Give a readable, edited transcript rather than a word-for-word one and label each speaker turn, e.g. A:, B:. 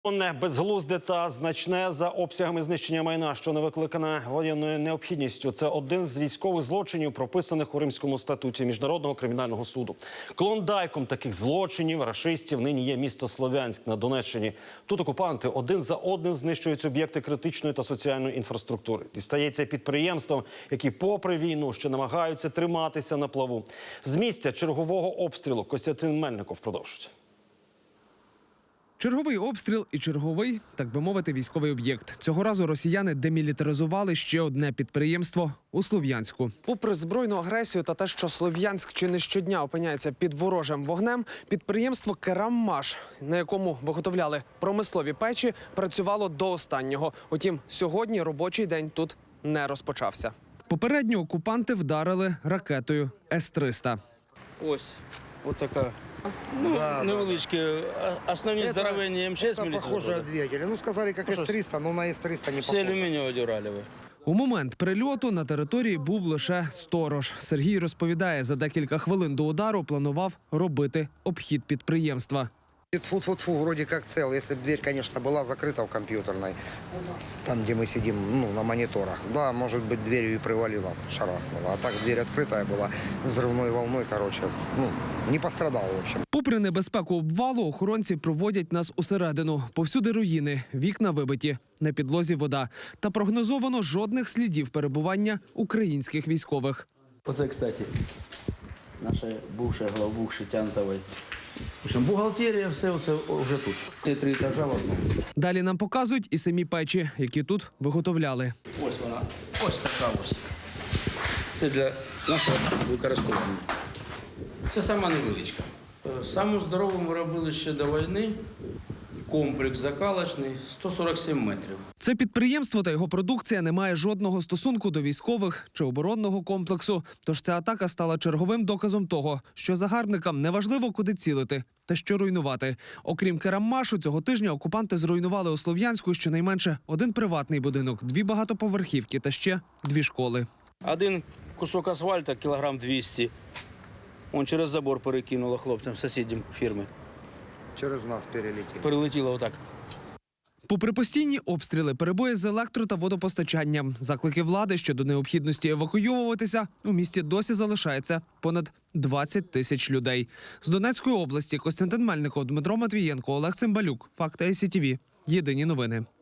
A: Безглузде та значне за обсягами знищення майна, що не викликане воєнною необхідністю. Це один з військових злочинів, прописаних у Римському статуті Міжнародного кримінального суду. Клондайком таких злочинів, рашистів, нині є місто Слов'янськ на Донеччині. Тут окупанти один за одним знищують об'єкти критичної та соціальної інфраструктури. Дістається підприємствам, які попри війну ще намагаються триматися на плаву. З місця чергового обстрілу Костянтин Мельников продовжить.
B: Черговий обстріл і черговий, так би мовити, військовий об'єкт. Цього разу росіяни демілітаризували ще одне підприємство у Слов'янську. Попри збройну агресію та те, що Слов'янськ чи не щодня опиняється під ворожим вогнем, підприємство «Кераммаш», на якому виготовляли промислові печі, працювало до останнього. Утім, сьогодні робочий день тут не розпочався. Попередньо окупанти вдарили ракетою С-300.
C: Ось така. Невеличкі, основні здоровенні М6
D: Это похоже от двигателя. Ну, сказали, как С-300, но на С-300 не
C: Всі
D: похоже.
C: алюмінієві дюралеві.
B: У момент прильоту на території був лише сторож. Сергій розповідає, за декілька хвилин до удару планував робити обхід підприємства.
D: Фу-фу-фу, вроде как цел. Если бы дверь, конечно, была закрыта в компьютерной, у нас, там, где мы сидим, на мониторах, да, может быть, дверью и привалило, шарахнуло. А так дверь открытая была, взрывной волной, не пострадал, в общем.
B: Попри небезпеку обвалу, охоронці проводять нас усередину. Повсюди руїни, вікна вибиті, на підлозі вода. Та прогнозовано жодних слідів перебування українських військових.
C: Оце, кстати, наша главбух Шитянтової. В общем, бухгалтерія, все це вже тут. Це 3 етажа в одному.
B: Далі нам показують і самі печі, які тут виготовляли.
C: Ось вона, ось така ось. Це для нашого використовування. Це сама невеличка. Саму здорову ми робили ще до війни. Комплекс закалочний, 147 метрів.
B: Це підприємство та його продукція не має жодного стосунку до військових чи оборонного комплексу. Тож ця атака стала черговим доказом того, що загарбникам неважливо, куди цілити та що руйнувати. Окрім Кераммашу, цього тижня окупанти зруйнували у Слов'янську щонайменше один приватний будинок, 2 багатоповерхівки та ще 2 школи.
C: Один кусок асфальту, кілограм 200. Он через забор перекинуло хлопцям, сусідям фірми.
D: Через нас перелетел.
C: Перелетіло отак.
B: Попри постійні обстріли, перебої з електро- та водопостачанням, заклики влади щодо необхідності евакуйовуватися, у місті досі залишається понад 20 тисяч людей. З Донецької області Костянтин Мельников, Дмитро Матвієнко, Олег Цимбалюк. Факти ICTV. Єдині новини.